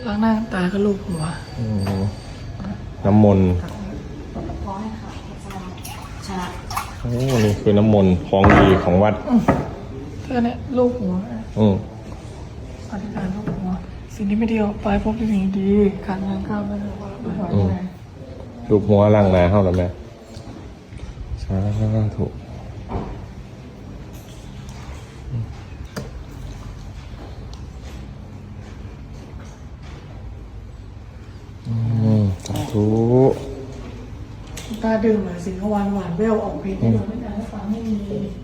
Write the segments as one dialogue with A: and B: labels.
A: ล้างหน้าตาก็ลูบหัว
B: น้ำมนต์โอ้นี่คือน้ำมนต์ของดีของวัด
A: เธอเนี่ยลูบหัวอธิษฐานลูบหัวสิ่งที่ไม่ดีออกไปพบสิ่งดีการงานก้าวหน้า
B: ลูบหัวล่างนาเข้าแล้วแม่สาธุสาธุ
A: ตาดื่มหน่อยสิเขาหวานหวานเวลออกเพลงที่เราไม่ได้ฟังไม่มี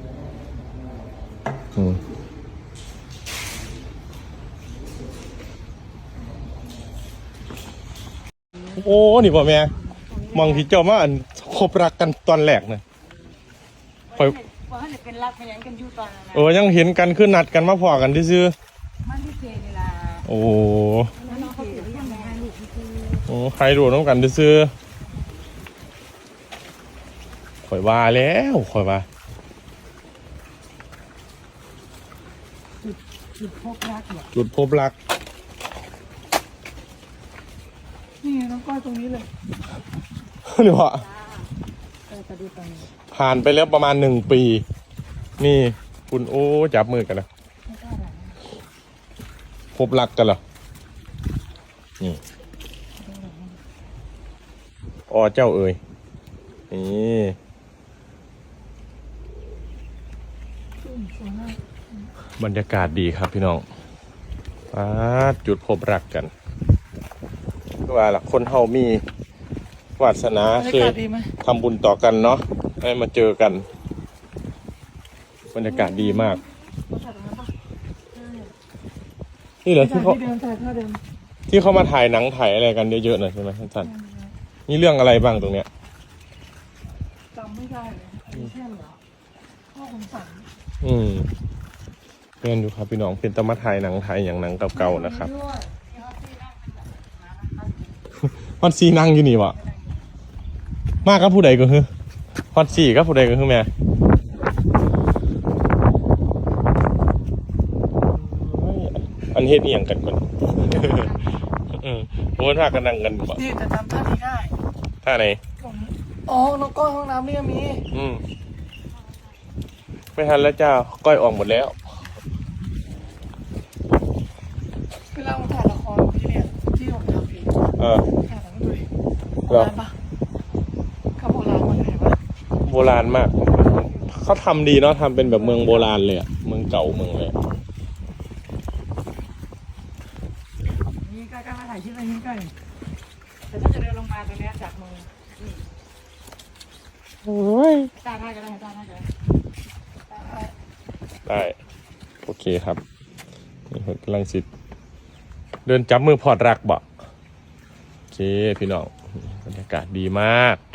B: โอ้นี่ป่ะแม่มองที่เจ้ามาอันคบรักกันตอนแรกนะคอย
C: เป็นรักเป็นยังกันอยู่ตอนนั้น
B: ยังเห็นกันขึ้นนัดกันมาพอกันที่ซื้อ
C: มันที่เจนี่ล่ะ
B: โอ้ใครรู้น้องกันที่ซื้อข่อยว่าแล้วข่อยว่า
C: จุดพบรัก
B: จุดพบรัก
A: นี่น้องก้อยตรงนี้เลย
B: นี่วะผ่านไปแล้วประมาณ1 ปีนี่คุณโอ้จับมือกันนะพบรักกันเหรอนี่อ๋อเจ้าเอ๋ยนี่บรรยากาศดีครับพี่น้องจุดพบรักกันก็ว่าล่ะคนเฮามีวาสนาเคยทำบุญต่อกันเนาะให้มาเจอกันบรรยากาศดีมากนี่เหรอที่เขามาถ่ายหนังถ่ายอะไรกันเยอะๆหน่อยใช่ไหมท่านสันนี่เรื่องอะไรบ้างตรงเนี้ย
A: จำไม่ได้เลยอันนี้แค่เหรอพ่อคงสั่ง
B: เพื่อนดูครับพี่น้องเป็นตะมาถ่ายหนังถ่ายอย่างหนังเก่าๆนะครับฮอตซีนั่งอยู่นี่วะมากกับผู้ใดก็คือฮอตซีกับผู้ใดก็คือแม่อันเฮ็ดนี่อย่างกันก่อนโอ้ท่ากันนั่งกันบ่
A: นี่แต่จำท่านี้ได้
B: ท่าไหน
A: อ๋อน้องก้อยห้องน้ำนี่ก็มี
B: ไม่ทันแล้วจ้าก้อยออกหมดแล้ว
A: เวลาผมถ่ายละครที่เนี่ยที่ผมทำเองถ่ายทั้งตัวเองโบราณปะเขาโบราณมันเห็นปะ
B: โบราณมากเขาทำดีเนาะทำเป็นแบบเมืองโบราณเลยอะเมืองเก่าเมืองเลย
C: นี่ใกล้ๆมาถ่ายที่ไหนนี่ใกล้แต่ถ้าจะเดินลงมาตรงนี้จากมือ
B: โอ้ย
C: ตาได้ก็ได้ตาได้ก็
B: ได้โอเคครับนี่กำลังสิเดินจับมือพอดรักบ่โอเคพี่น้องบรรยากาศดีมาก